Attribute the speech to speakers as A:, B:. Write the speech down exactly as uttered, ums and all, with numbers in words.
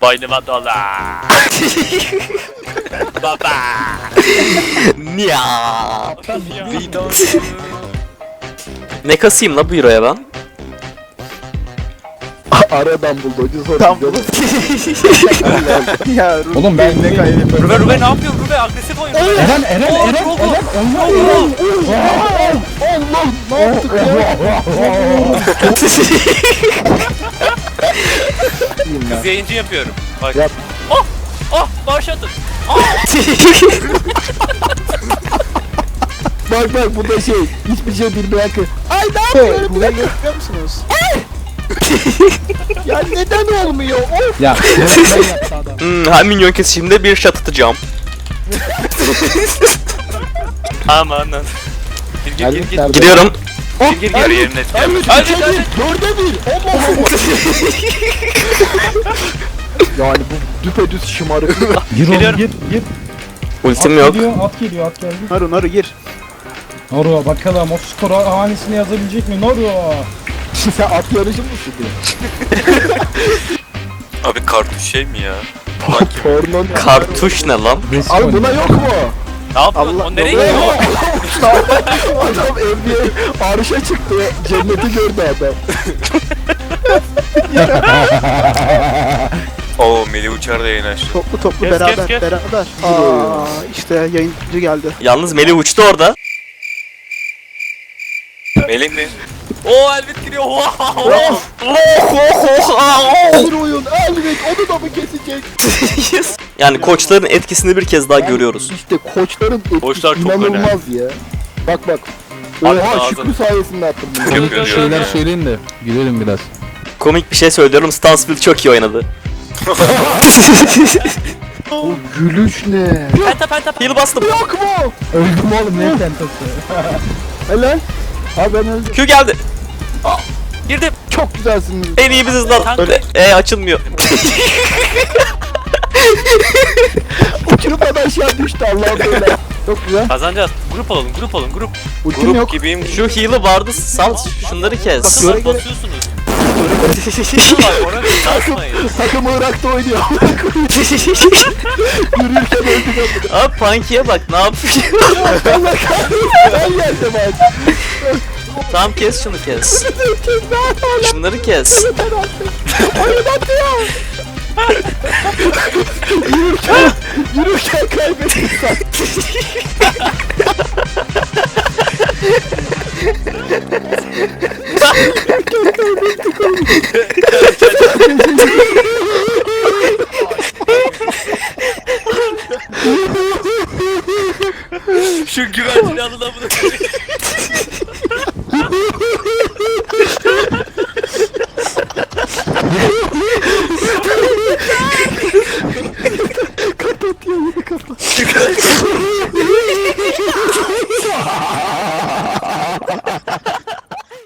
A: Boynuma dola. Baba.
B: Ya.
A: Video.
B: Ne kasayım la bu euroya ben?
C: Aradan buldu hoca sonra.
D: Tam buldu. Ya Ruben,
E: Oğlum ben ne kaybettim?
A: Rube Rube ne yapıyor Rube? Agresif oynuyor.
E: Eren Eren Eren Eren onlar Eren.
C: Allah ne yaptık ya?
A: Kız yayıncı yapıyorum. Bak.
C: Yap.
A: Oh! Oh! Başlatın.
C: Bak bak bu da şey hiçbir şey bilmeyen kız. Ay ne yapıyorum?
D: Buraya görüyor musunuz? Ya neden olmuyor? Of.
E: Ya ben yaptı adam.
B: Hmm, her minyon kesişimde bir shot atacağım.
A: Aman lan. Gir gir gir gir.
B: Gidiyorum.
A: Gir gir gir yerine.
C: Elbet
A: Hadi
C: üçe
A: hadi.
C: bir, dörde bir. Allah Allah. Yani bu düpedüz şımarık.
E: Gir oğlum
A: Geliyorum.
E: gir gir.
B: Ultim
E: At
B: yok.
E: geliyor at geliyor at geldi.
D: Naru Naru gir.
E: Naru bakalım o skor hanesini yazabilecek mi Naru?
C: Sen at yarışı mısın diye.
A: Abi kartuş şey mi ya?
C: Porno.
B: Kartuş ne lan?
C: Abi buna yok mu?
A: Ne yapıyorsun?
D: Allah-
A: O nereye
C: Ne
A: gidiyor?
C: yok? Adam N B A arşa çıktı. Cenneti gördü adam.
A: Oo Melih Uçar da yayın açtı.
D: Toplu toplu
A: Kes,
D: beraber
A: kes, kes.
D: beraber. Aa işte yayıncı geldi.
B: Yalnız Melih uçtu orada.
A: Melih mi? Oo Elbet giriyor. Oh, oh, oh.
C: Bir oyun elbet onu da mı kesecek?
B: Yani koçların etkisini bir kez daha görüyoruz.
C: İşte koçların etkisi
A: Koçlar çok
C: inanılmaz ya. Bak bak.
A: Abi
C: Oha
A: ağzını-
C: Şükrü sayesinde attım bunu.
A: Çok kötü
F: Şeyler söyleyin de gülelim biraz.
B: Komik bir şey söylüyorum. Stansfield çok iyi oynadı.
C: O gülüş ne?
A: Penta penta penta.
B: Heal bastım.
C: Yok mu?
E: Öldüm oğlum ne tentası.
C: Helal. Ha ben öldüm.
B: Q geldi.
A: Girdim.
C: Çok güzelsiniz.
B: En iyi biziz lan.
A: Kanka.
B: E açılmıyor.
C: Uçurup aşağı düştü Allah'ım böyle. Çok güzel.
A: Kazanacağız. Grup olun, grup olun, grup.
C: Ultim
A: Grup
C: yok.
A: gibiyim.
B: Şu heal'ı vardı. Sal şunları kes.
A: Basıyorlar, basıyorsunuz. Var, oraya basmayın.
C: Takım Irak'ta oynuyor. Yürürken öldük.
B: Abi Punky'ye bak ne yapıyor?
C: Allah kahretsin. Ben geldim abi.
B: Tamam kes şunu kes. Şunları kes.
C: Oyun atıyor. Yürürken, yürürken kaybettik sen.
A: Şu güvercini alın amına koyayım.
C: Kapat ya yine kapat.